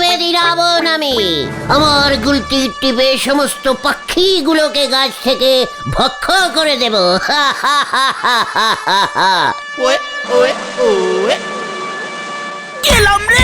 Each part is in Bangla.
ভেদি রাবণ আমি। আমার গুলতির টিপে সমস্ত পাখিগুলোকে গাছ থেকে ভক্ষ করে দেব। হা হা হা হা হা হা হা। ওয়ে ওয়ে ওয়ে গেলাম রে।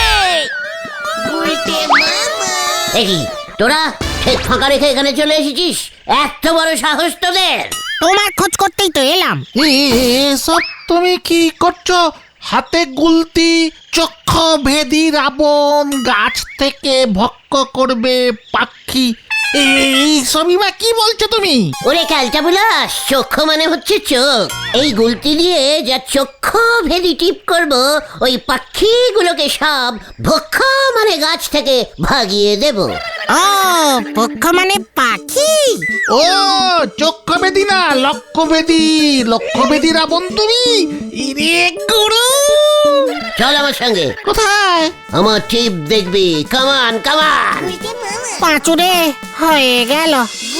দেখি তোরা ঠিক ফাঁকা রেখে এখানে চলে এসেছিস? এত বড় সাহস তোদের? তোমার খোঁজ করতেই তো এলাম। এসব তুমি কি করছো? হাতে গুলতি, চক্ষু ভেদি রাবণ, গাছ থেকে ভক্ষ করবে পাখি, এই সবই বা কি বলছো তুমি? ওরে ক্যালটা বুলাস, চক্ষু মানে হচ্ছে চোখ। এই গুলতি দিয়ে যা চক্ষু ভেদি টিপ করব, ওই পাখিগুলোকে সব ভক্ষ মানে গাছ থেকে ভাগিয়ে দেব। ও পক্ষ মানে পাখি। ও চক্ষু ভেদি না, লক্ষ্য ভেদি, লক্ষ্য ভেদি রাবণ তুমি। ইরে গুরু, চল আমার সঙ্গে। কোথায়? আমার টিপ দেখবি। কামান কামান। পাঁচুরে হয়ে গেল।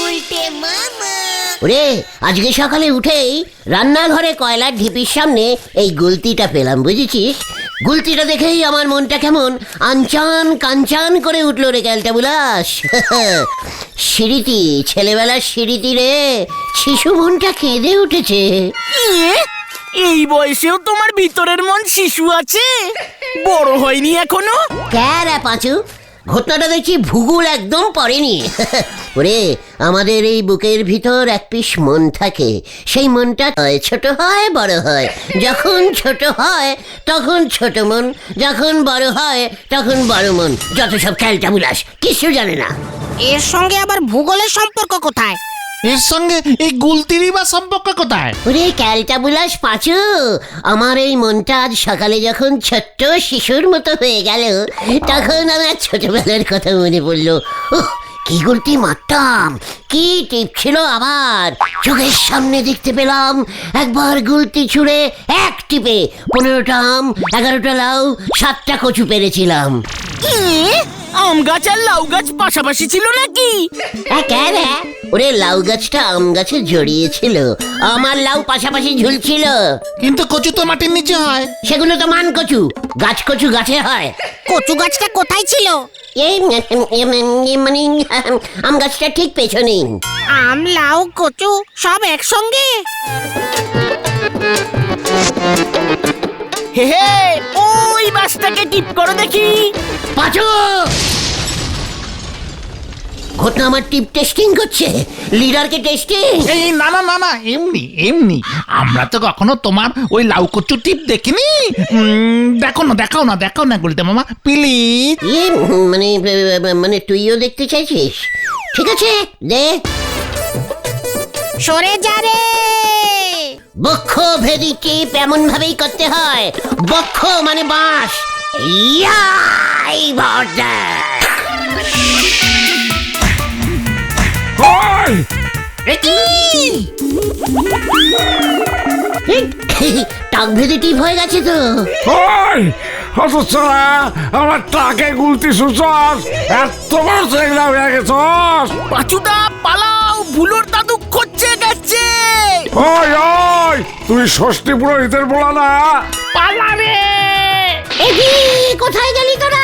ওরে আজকে সকালে উঠেই রান্নাঘরে কয়লার ঢিপির সামনে এই গুলতিটা পেলাম, বুঝেছিস? গুলতিটা দেখেই আমার মনটা কেমন আনচান কাঞ্চান করে উঠলো রে ক্যালটা বুলাস। সিঁড়িটি, ছেলেবেলার সিঁড়িটি রে, শিশু মনটা কেঁদে উঠেছে। ইয়ে, এই বয়সেও তোমার ভিতরের মন শিশু আছে, বড় হয়নি এখনো? ক্যারা পাঁচু, ঘটনাটা দেখছি ভূগোল একদম পড়েনি। ওরে আমাদের এই বুকের ভিতর এক পিস মন থাকে, সেই মনটা ছোট হয় বড় হয়। যখন ছোট হয় তখন ছোট মন, যখন বড় হয় তখন বড় মন। যত সব খেলটা বুলাস, কিছু জানে না। এর সঙ্গে আবার ভূগোলের সম্পর্ক কোথায়? এর সঙ্গে এই গুলতিরই বা সম্পর্ক কোথায়? ওরে ক্যালটা বুলাস পাঁচু, আমার এই মনটা আজ সকালে যখন ছোট্ট শিশুর মতো হয়ে গেল, তখন আমার ছোটবেলার কথা মনে পড়লো। কি গুলতি মারতাম, কি টিপ ছিল আবার। চোখের সামনে দেখতে পেলাম একবার গুলতি ছুঁড়ে এক টিপে 15টা আম, 11টা লাউ, 7টা কচু পেরেছিলাম। ইয়ে, আম গাছ আর লাউ গাছ পাশাপাশি ছিল নাকি? ওরে লাউ গাছটা আম গাছে জড়িয়েছিল, আমার লাউ পাশাপাশি ঝুলছিল। কিন্তু কচু তো মাটির নিচে হয়। সেগুলো তো মান কচু, গাছ কচু গাছে হয়। কচু গাছটা কোথায় ছিল? এই মানে আম গাছটা ঠিক পেছনে। আম লাউ কচু সব একসঙ্গে? হে হে, ওই বাসটাকে টিপ করো দেখি। পাঁচু, ঘটনা আমার টিপ টেস্টিং করছে, লিডারকে টেস্টিং। এই না না না না, এমনি এমনি। আমরা তো কখনো তোমার ওই লাউ কচু টিপ দেখিনি। দেখো না, দেখাও না, দেখাও না গুলতে মামা প্লিজ। মানে মানে তুইও দেখতে চাইছিস? ঠিক আছে দে। সরে যা রে। বক্ষ ভেদি টিপ এমন ভাবেই করতে হয়। বক্ষ মানে বাঁশ। ইয়াই ভরদা। টাক ভেদি টিপ হয়ে গেছে তো। আমার টাকে গুলতি সুচস, এত বড় চেংড়া হয়ে গেছস। পাঁচুদা পালাও, ভুলোর দাদু খোঁজে গেছে। ওই ওই, তুই ষষ্ঠী পুরোহিতের বলা না? পালা রে। কোথায় গেলি তোরা?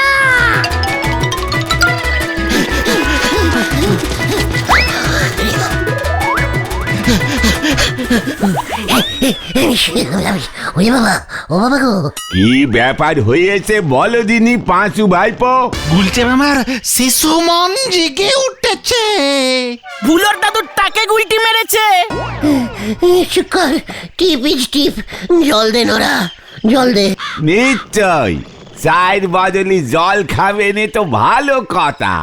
ওরে বাবা, ও বাবা গো। কি ব্যাপার হয়েছে বলো দিনি পাঁচু ভাইপো? গুলতে মামার শিশু মন জেগে উঠেছে। ভুলোর দাদুর টাকে গুলটি মেরেছে। শুকর টিপ ইজ টিপ। জল দে নোরা, জল দে। নিশ্চয়, চায়ের বদলি জল খাবে নে তো ভালো কথা।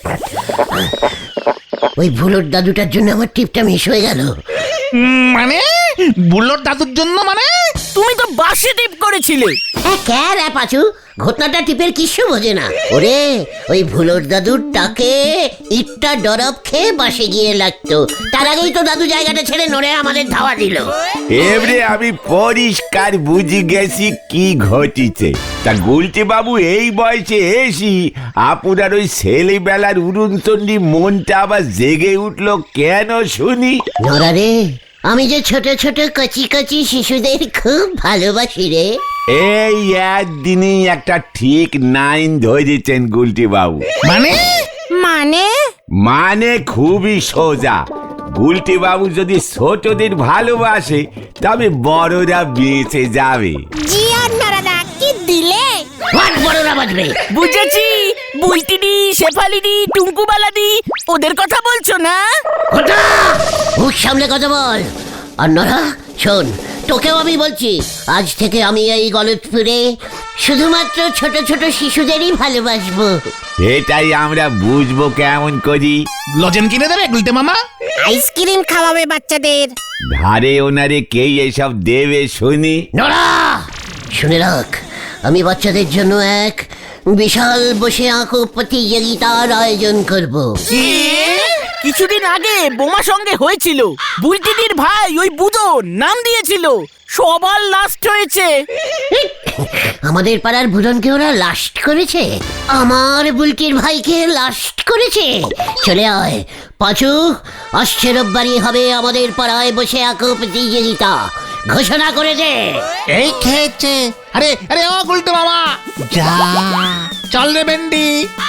ওই ভুলোর দাদুটার জন্য আমার টিপটা মিস হয়ে গেল। মানে বুলোর দাদুর জন্য? মানে তুমি তো বাসে টিপ করেছিলে। ক্যারা পাচু, ঘটনাটা টিপের কিছু বোঝে না। ওরে ওই ভুলোর দাদুর টাকে ইটটা ডরব খেয়ে বাসে গিয়ে লাগতো, তার আগেই তো দাদু জায়গাটা ছেড়ে নড়ে আমাদের ধাওয়া দিল। এবারে আমি পরিষ্কার বুঝে গেছি কি ঘটিছে। তা গুলটি বাবু এই বয়সে এসি আপনার ওই ছেলেবেলার উড়ুনচন্ডী মনটা আবার জেগে উঠলো কেন শুনি? নড়া রে, আমি যে ছোট ছোট কচি কচি শিশুদের খুব ভালোবাসি রে। এই একদিনই একটা ঠিক নাইন ধরেছেন গুলটি বাবু। মানে মানে মানে খুবই সোজা। গুলটি বাবু যদি ছোটদের ভালোবাসে তবে বড়রা বেঁচে যাবে। জি আর নারাদা কি দিলে হোয়াট বড়রা বাজবে? বুঝেছি, বুলটিডি, শেফালিডি, টুঙ্কুবালাদি ওদের কথা বলছো না? ঘটা! মুখ সামলে কথা বল। আর নরা শোন, তোকেও আমি বলছি, আজ থেকে আমি এই গলতপুরে শুধুমাত্র ছোট ছোট শিশুদেরই ভালোবাসবো। এটাই আমরা বুঝবো কেমন করি? লজেন কিনে দেবে গুলটে মামা? আইসক্রিম খাওয়াবে বাচ্চাদের। ধারে ওনারে কে এসব দেবে শুনি? নরা শুনে রাখ, আমি বাচ্চাদের জন্য এক বিশাল বসে আঁকো প্রতিযোগিতার আয়োজন করব। কিছুদিন আগে বোমা সঙ্গে হয়েছিল, বুলটিডির ভাই ওই বুদো নাম দিয়েছিল, সবার লাস্ট হয়েছে। আমাদের পাড়ার ভুলনকে ওরা লাস্ট করেছে, আমার বুলটির ভাইকে লাস্ট করেছে। চলে আয় পাঁচু, আসছে রোববারই হবে আমাদের পাড়ায় বসে আঁকো প্রতিযোগিতা। ঘোষণা করে দে। এই খেয়েছে। আরে আরে ও গুলটে মামা, যা চল রে বেন্ডি।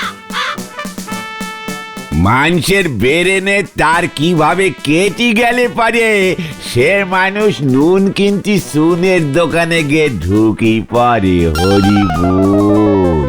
মানুষের বেরেনে তার কিভাবে কেটে গেলে পারে, সে মানুষ নুন কিনতি সুনের দোকানে গিয়ে ঢুকি পারে। হরি বল।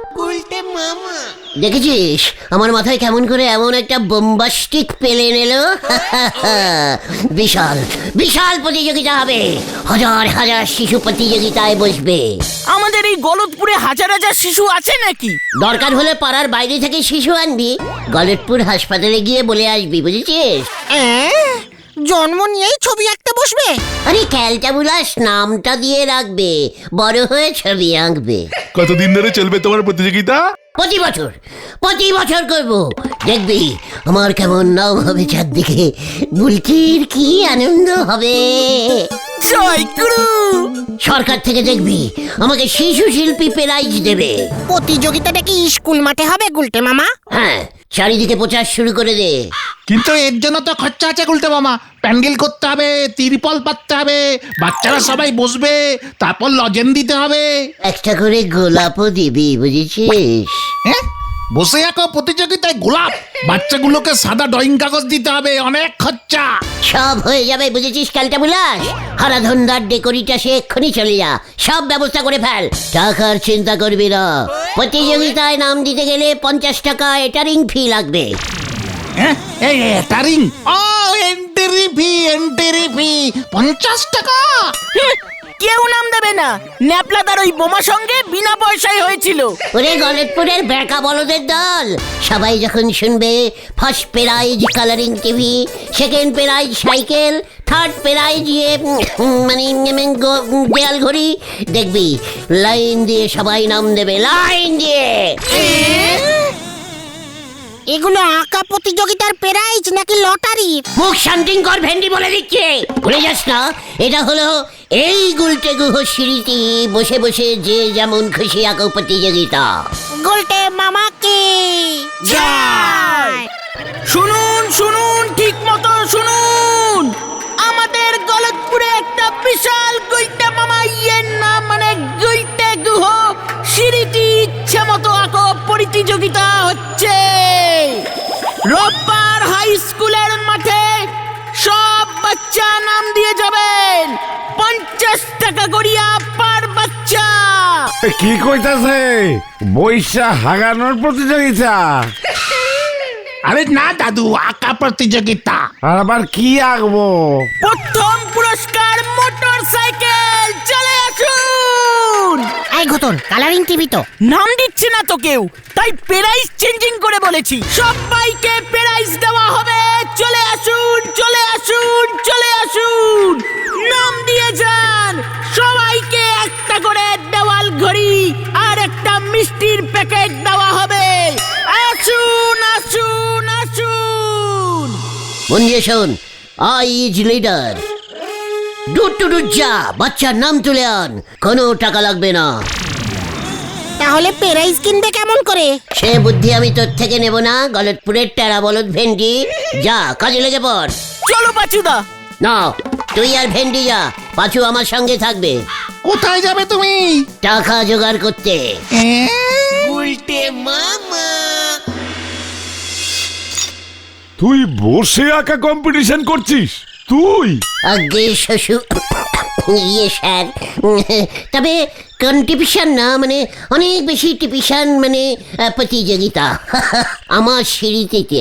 দেখেছিস আমার মাথায় কেমন করে এমন একটা বোম্বাস্টিক পেলে এলো? বিশাল বিশাল প্রতিযোগিতা হবে, হাজার হাজার শিশু প্রতিযোগিতায় বসবে। আমাদের এই গলতপুরে হাজার হাজার শিশু আছে নাকি? দরকার হলে পাড়ার বাইরে থেকে শিশু আনবি, গলতপুর হাসপাতালে গিয়ে বলে আসবি, বুঝেছিস? জন্ম নিয়েই ছবি আঁকতে বসবে। আরে ক্যালটাবুলাস নামটা দিয়ে রাখবে, বড় হয়ে ছবি আঁকবে। কতদিন ধরে চলবে তোমার প্রতিযোগিতা? প্রতি বছর করব। দেখবি আমার কেমন নাম হবে চারদিকে, বুলকির কি আনন্দ হবে। জয় গুরু। সরকার থেকে দেখবি আমাকে শিশু শিল্পী প্রাইজ দেবে। প্রতিযোগিতাটা কি স্কুল মাঠে হবে গুলটে মামা? হ্যাঁ, চারিদিকে প্রচার শুরু করে দে। কিন্তু এর জন্য তো খরচা আছে গুলটে মামা। প্যান্ডেল করতে হবে, তিরপল পাততে হবে, বাচ্চারা সবাই বসবে, তারপর লজেন দিতে হবে। একটা করে গোলাপও দিবি, বুঝেছিস? হ্যাঁ, বসে আঁকো প্রতিযোগিতায় গোলাপ, বাচ্চাগুলোকে সাদা ড্রয়িং কাগজ দিতে হবে, অনেক খরচা। সব হয়ে যাবে, বুঝেছিস ক্যালটাবুলাস? হারাধনদার ডেকোরিটা সে এক্ষুনি চলে যা, সব ব্যবস্থা করে ফেল। টাকার চিন্তা করবি না, প্রতিযোগিতায় নাম দিতে গেলে 50 টাকা এটারিং ফি লাগবে। হ্যাঁ, এই এটারিং, ও এন্ট্রি ফি 50 টাকা। কেউ নাম দেবে না, ন্যাপলাদার ওই বোমা সঙ্গে বিনা পয়সায় হয়েছিল। ওরে গলতপুরের বেকা বলদের দল, সবাই যখন শুনবে first prize colouring TV, second prize cycle, third prize দেয়াল ঘড়ি, দেখবি লাইন দিয়ে সবাই নাম দেবে, লাইন দিয়ে। এগুলো আঁকা প্রতিযোগিতার প্রাইজ নাকি লটারির? মুখ শান্তিং কর, ভেন্ডি বলে দিচ্ছে। ভুলে যাস না, এটা হলো এই গুলটে গুহ সিঁড়িটি বসে বসে যে যেমন খুশি আঁকো প্রতিযোগিতা। গুলটে মামাকে জয়। শুনুন শুনুন, ঠিক মতো শুনুন, আমাদের গলতপুরে একটা বিশাল গুলটে মামা নাম মানে গুলটে গুহ সিঁড়িটি ইচ্ছে মতো আঁকো প্রতিযোগিতা হচ্ছে। রোববার হাই স্কুলের মাঠে সব বাচ্চা নাম দিয়ে যাবেন, 50 টাকা করিয়া পার বাচ্চা। কি কইতাছে? বৈশা হাগানোর প্রতিযোগিতা? আরে না দাদু, আঁকা প্রতিযোগিতা। আর আবার কি আঁকবো? প্রথম পুরস্কার মোটর সাইকেল, চলে আসুন। এই ঘটন, কালারিং টিভি তো নাম দিচ্ছে না তো কেউ, তাই প্রাইস চেঞ্জিং করে বলেছি, সবাইকে প্রাইস দেওয়া হবে। চলে আসুন চলে আসুন চলে আসুন, নাম দিয়ে যান। সবাইকে একটা করে দেওয়াল ঘড়ি আর একটা মিষ্টির প্যাকেট দেওয়া হবে। আসুন আসুন আসুন। মন দিয়ে শোন, আই ইজ লিডার। দূর যা, বাচ্চার নাম তুলে আন, কোনো টাকা লাগবে না। তাহলে প্রাইজ কিনবে কেমন করে? সে বুদ্ধি আমি তোর থেকে নেব না, গলতপুরের টেরা বলদ ভেন্ডি। যা কাজে লেগে পড়। চলো বাচুদা। না, তুই আর ভেন্ডি যা, পাঁচু আমার সঙ্গে থাকবে কোথায় যাবে তুমি? টাকা জোগাড় করতে। তুই বসে আঁকা কম্পিটিশন করছিস তুই? আগে শ্বশুর ইয়ে স্যার, তবে কন্ট্রিবিউশন না, মানে অনেক বেশি টিপিশন, মানে প্রতিযোগিতা আমার সিঁড়িতে।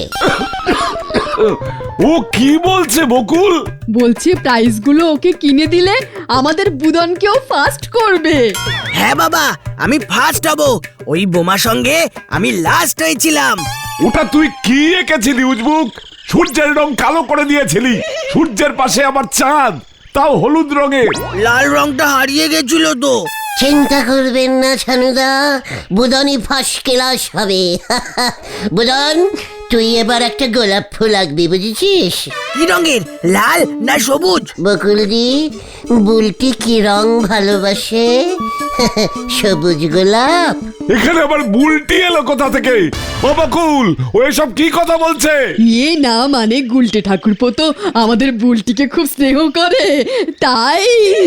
ও কি বলছে বকুল? বলছে প্রাইজগুলো ওকে কিনে দিলে আমাদের বুদনকেও ফার্স্ট করবে। হ্যাঁ বাবা, আমি ফার্স্ট হব। ওই বোমা সঙ্গে আমি লাস্ট হয়েছিলাম। ওটা তুই কি এঁকেছিলি উজবুক? সূর্যের রং কালো করে দিয়েছিলি, সূর্যের পাশে আবার চাঁদ, তাও হলুদ রঙের। লাল রংটা হারিয়ে গেছিল তো। চিন্তা করবেন না ছানুদা, বুদনই ফার্স্ট ক্লাস হবে। বুদন, তুই এবার একটা গোলাপ ফুল আঁকবি, বুঝেছিস? কি রঙের, লাল না সবুজ? বকুলদি, বুলটি কি রং ভালোবাসে? সবুজ গোলাপ। এখানে আবার বুলটি এলো কোথা থেকে? ও বকুল, ও এসব কি কথা বলছে? এ না, মানে গুলটে ঠাকুরপো তো আমাদের বুলটিকে খুব স্নেহ করে, তাই।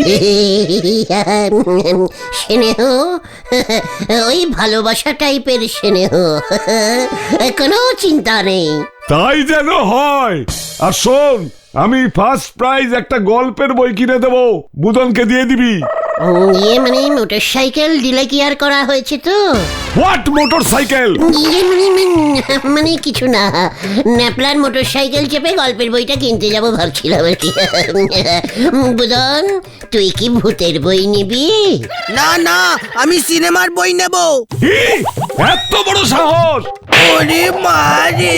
স্নেহ, ওই ভালোবাসা টাইপের স্নেহ, কোনো চিন্তা নেই। তাই যেন হয়। আর শোন, আমি ফার্স্ট প্রাইজ একটা গল্পের বই কিনে দেবো, বুদনকে দিয়ে দিবি। ইয়ে মানে মোটর সাইকেল দিলে কি আর করা হয়েছে তো? What motorcycle? ইয়ে মানে কিছু না, ন্যাপলার মোটর সাইকেল চেপে গল্পের বইটা কিনতে যাব ভাবছিলাম আর কি। বুদন, তুই কি ভূতের বই নিবি? না না, আমি সিনেমার বই নেব। এত বড় সাহস! ওরে মারে!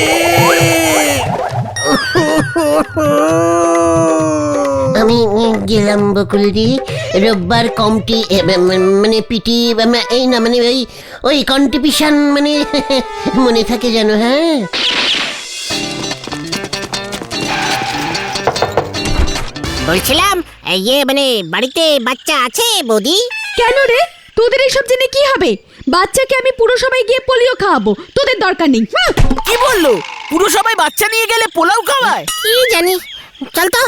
আমি গেলাম বকুলদি, রোববার কমটি মানে পিটি এই না, মানে ওই কন্ট্রিবিউশন, মানে মনে থাকে যেন। হ্যাঁ, বলছিলাম ইয়ে মানে বাড়িতে বাচ্চা আছে বৌদি? কেন রে, তোদের এইসব জেনে কি হবে? বাচ্চাকে আমি পুরো সবাই গিয়ে পোলিও খাওয়াবো, তোদের দরকার নেই। কি বললো? পুরো সবাই বাচ্চা নিয়ে গেলে পোলাও খাওয়ায়? কি জানি, চল তো।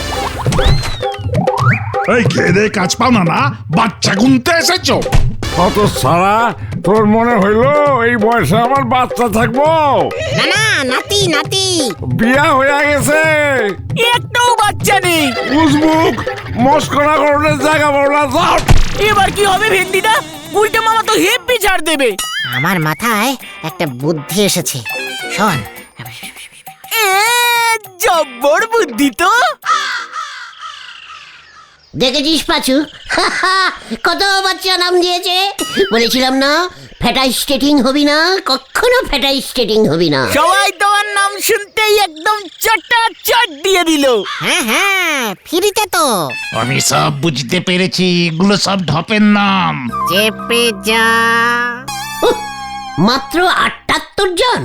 এই খেয়ে দে কাজ পাও না, না বাচ্চা গুনতে এসেছো? কত সারা, তোর মনে হইলো এই বয়সে আমার বাচ্চা থাকবো? না না, নাতি নাতি। বিয়া হয়ে গেছে, একটাও বাচ্চা নেই। উজবুক মস্করা করলে জায়গা বলা যাও। এবার কি হবে ভেন্ডিদা? উল্টে মামা তো হেব্বি ছাড় দেবে। আমার মাথায় একটা বুদ্ধি এসেছে, শোন। এ জব্বর বুদ্ধি তো। দেখেছিস পাচু, কত বাচ্চা নাম দিয়েছে। বলেছিলাম না, ফ্যাটাই স্টেটিং হবি না, কখনো ফ্যাটাই স্টেটিং হবি না। সবাই তোমার নাম শুনতেই একদম চট দিয়ে দিল। হ্যাঁ হ্যাঁ, ফ্রিতে তো। আমি সব বুঝতে পেরেছি, এগুলো সব ঢপের নাম। চেপে যা। উহ, মাত্র 78 জন।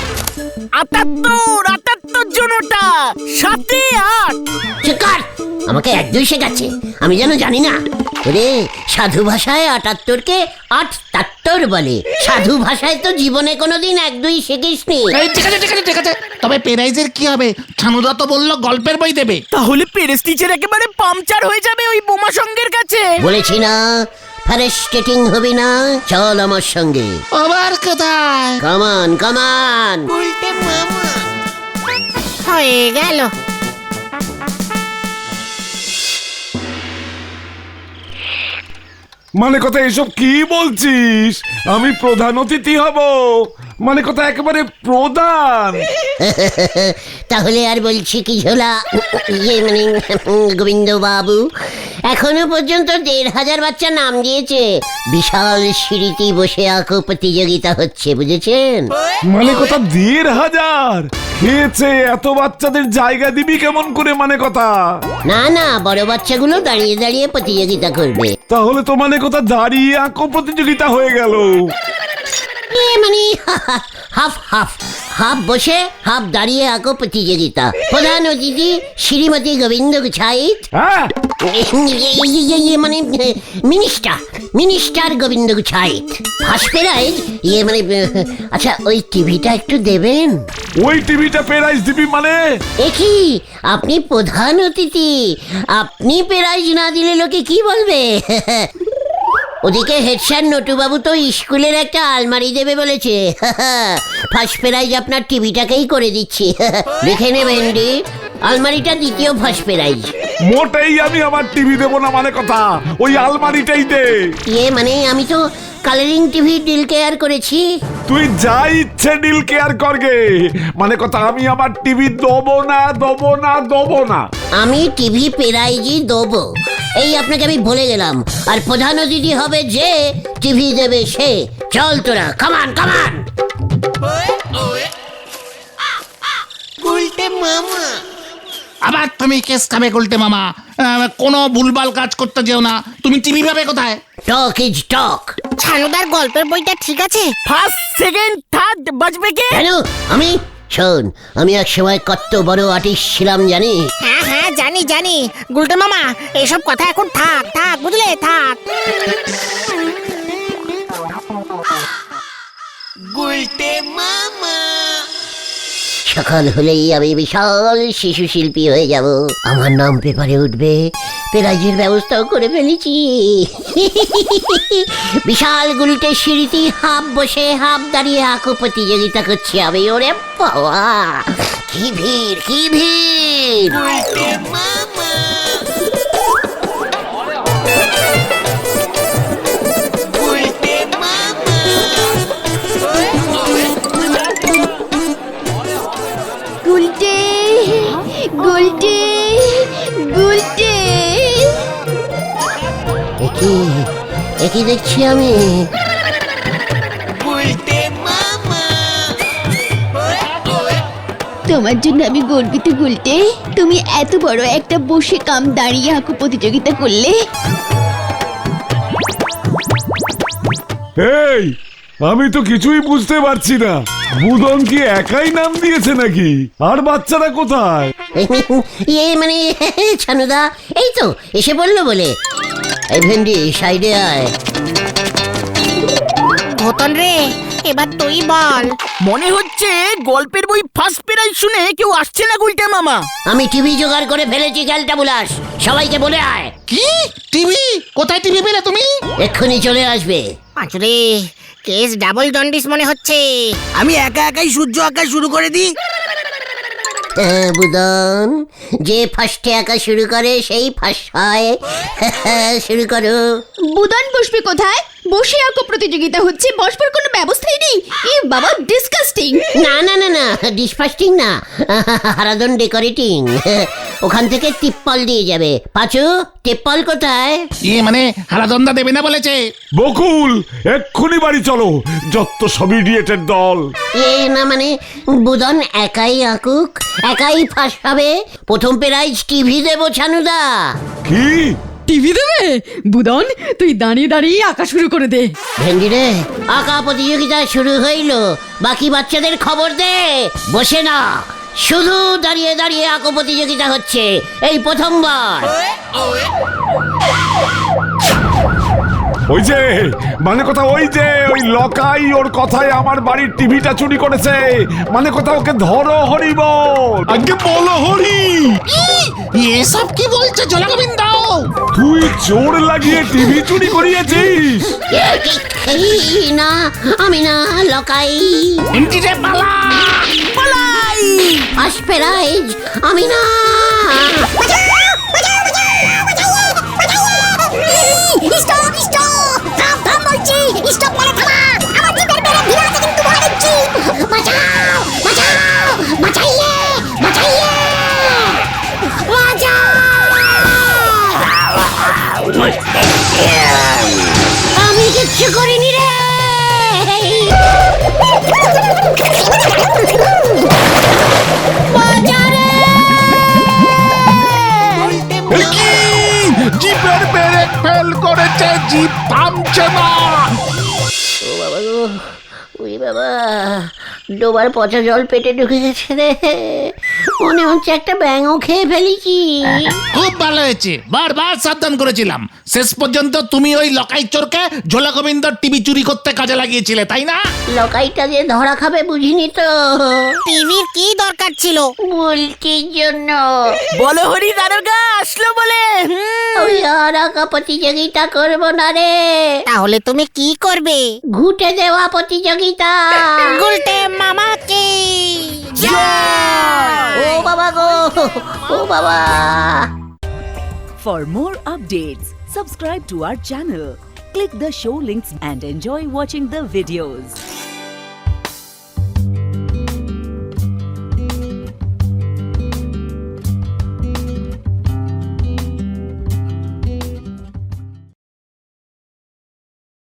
78 জন, ওটা 7 8। চিৎকার, আমাকে 1 2 শেখাচ্ছে, আমি যেন জানি না। ওরে, সাধু ভাষায় 78কে 88 বলে। সাধু ভাষায় তো জীবনে কোনোদিন 1 2 শিখিসনি। এই ঠিক আছে ঠিক আছে ঠিক আছে, তবে প্রাইজের কি হবে? ছানুদা তো বললো গল্পের বই দেবে। তাহলে পেরেস টিচার একেবারে পাংচার হয়ে যাবে ওই বোমা সঙ্গের কাছে। বলেছি না, ফ্যারেস্টেটিং হবি না, চল আমার সঙ্গে। আবার কোথায়? কামান কামান। হয়ে গেল। মানে কথা এসব কি বলছিস? আমি প্রধান অতিথি হব, মানে কথা একেবারে প্রধান। তাহলে আর বলছি কি ঝোলা, ইয়ে মানে গোবিন্দ বাবু, এখনো পর্যন্ত 1,500 বাচ্চা নাম দিয়েছে। বিশাল সিঁড়িতে বসে আঁকো প্রতিযোগিতা হচ্ছে, বুঝেছেন? মানে কথা 1,500 খেয়েছে, এত বাচ্চাদের জায়গা দিবি কেমন করে? মানে কথা না না, বড় বাচ্চাগুলো দাঁড়িয়ে দাঁড়িয়ে প্রতিযোগিতা করবে। তাহলে তো মানে কথা দাঁড়িয়ে আঁকো প্রতিযোগিতা হয়ে গেল। মানে হাফ হাফ হাফ বসে হাফ দাঁড়িয়ে আঁকো প্রতিযোগিতা। প্রধান অতিথি শ্রীমতী গোবিন্দ গুছাইত, হ্যাঁ মানে minister Gobinda Guchhait. First prize মানে আচ্ছা ওই টিভিটা একটু দেবেন। ওই টিভিটা প্রাইজ দিবি মানে? কি আপনি প্রধান অতিথি, আপনি প্রাইজ না দিলে লোকে কি বলবে? ওদিকে হেড স্যার নটুবাবু তো স্কুলের একটা আলমারি দেবে বলেছে। ফার্স্ট প্রাইজ আপনার টিভিটাকেই করে দিচ্ছি। লিখে নেবেন ডি, আলমারিটা দ্বিতীয় ফার্স্ট প্রাইজ। মোটেই আমি আমার টিভি দেবো না মানে কথা, ওই আলমারিটাই দে। মানে আমি তো কালারিং টিভি ডিল কেয়ার করেছি। তুই যা ইচ্ছে ডিল কেয়ার করগে, মানে কথা আমি আমার টিভি দেবো না। আমি টিভি প্রাইজই দেবো, এই আপনাকে আমি বলে গেলাম। আর প্রধান অতিথি হবে যে, টিভি দেবে সে। চল তোরা, কামান কামান। আবার তুমি কেস খাবে গুলটে মামা। কোনো ভুলভাল কাজ করতে যেও না। তুমি টিভি পাবে কোথায়? টক ইজ টক। ছানুদার গল্পের বইটা ঠিক আছে? ফার্স্ট সেকেন্ড থার্ড বাজবে কে? কেন? আমি শোন, আমি এক সময় কত বড় আর্টিস্ট ছিলাম জানি। হ্যাঁ হ্যাঁ জানি গুলটে মামা, এসব কথা এখন থাক বুঝলে, থাক। সকাল হলেই আমি বিশাল শিশু শিল্পী হয়ে যাব। আমার নাম পেপারে উঠবে, প্রাইজের ব্যবস্থাও করে ফেলেছি। বিশাল গুলটে সিঁড়িতে হাফ বসে হাফ দাঁড়িয়ে আঁকো প্রতিযোগিতা করছি আমি। ওরে বাবা, কি ভিড় কি ভিড়! গুলটে গুলটে গুলটে, একই দেখছি আমি। তোমার জন্য আমি গর্বিত গুলটে। তুমি এত বড় একটা বসে কাম দাঁড়িয়ে আঁকো প্রতিযোগিতা করলে। এই আমি তো কিছুই বুঝতে পারছি না, বুদন কি একাই নাম দিয়েছে নাকি? আর বাচ্চারা কোথায়? মানে ছানুদা এই তো এসে বললো বলে। এই ভেন্ডি সাইডে আয়। ঘটন রে, এবার তুই বল। মনে হচ্ছে গল্পের বই ফার্স্ট প্রাইজ শুনে কেউ আসছে না গুলটে মামা। আমি টিভি জোগাড় করে ফেলেছি ক্যালটা বুলাস, সবাইকে বলে আয়। কি টিভি? কোথায় টিভি পেলে তুমি? এক্ষুনি চলে আসবে। পাঁচুরে, কেস ডাবল জন্ডিস মনে হচ্ছে। আমি একাই সূর্য আঁকা শুরু করে দিই। বুদন, যে ফার্স্টে আঁকা শুরু করে সেই ফার্স্ট হয়। শুরু করো। বুদন বসবে কোথায়? বসে আঁকো প্রতিযোগিতা হচ্ছে, বসবার কোনো ব্যবস্থাই নেই। এ বাবা, ডিসকাস্টিং। না না না না, ডিসফাস্টিং না, হারাদন ডেকোরেটিং। ওখান থেকে টিপ্পল দিয়ে যাবে। পাঁচু, টিপ্পল কোথায়? মানে হারাদন্দা দেবে না বলেছে। বকুল, এক্ষুনি বাড়ি চলো, যত সব ইডিয়েটের দল। না মানে বুদন একাই আঁকুক, একাই ফার্স্ট হবে। প্রথম প্রাইজ টিভি দেবো ছানুদা। কি টিভি দেবে? বুদন তুই দাঁড়িয়ে দাঁড়িয়ে আঁকা শুরু করে দে। ভেন্ডি রে, আঁকা প্রতিযোগিতা শুরু হইল, বাকি বাচ্চাদের খবর দে। বসে না, শুধু দাঁড়িয়ে দাঁড়িয়ে আঁকো প্রতিযোগিতা হচ্ছে, এই প্রথমবার। ওই যে মানে কথা, ওই যে ওই লকাই ওর কথায় আমার বাড়ির টিভিটা চুরি করেছে, মানে কথা ওকে ধরো হরিব। আগে বলো হরি। এসব কি বলছে জলাগোবিন্দ? তুই জোর লাগিয়ে টিভি চুরি করিয়েছিস? না, আমি না, লকাই। এন্টিরে পালা। পালাই। ফার্স্ট প্রাইজ আমি না। আমি কিচ্ছু করিনি রে। জিপের ব্রেক ফেল করেছে, জিপ থামছে না। ও বাবা গো, ওই বাবা, ডোবার পচা জল পেটে ঢুকে গেছে রে, মনে হচ্ছে একটা ব্যাঙও খেয়ে ফেলেছি। খুব ভালো হয়েছে, বারবার সাবধান করেছিলাম। শেষ পর্যন্ত তুমি ওই লকাই চোরকে ঝোলা গোবিন্দর টিভি চুরি করতে কাজে লাগিয়েছিলে, তাই না? লকাইটা যে ধরা খাবে বুঝিনি তো, টিভির কি দরকার ছিল? বুলটির জন্য। বলো হরি দারোগা আসলো বলে। ওই আর আঁকা প্রতিযোগিতা করবো না রে, তাহলে তুমি কি করবে? ঘুটে দেওয়া প্রতিযোগিতা। গুলটে মামাকে ও বাবা গো, ও বাবা। For more updates, subscribe to our channel, click the show links and enjoy watching the videos.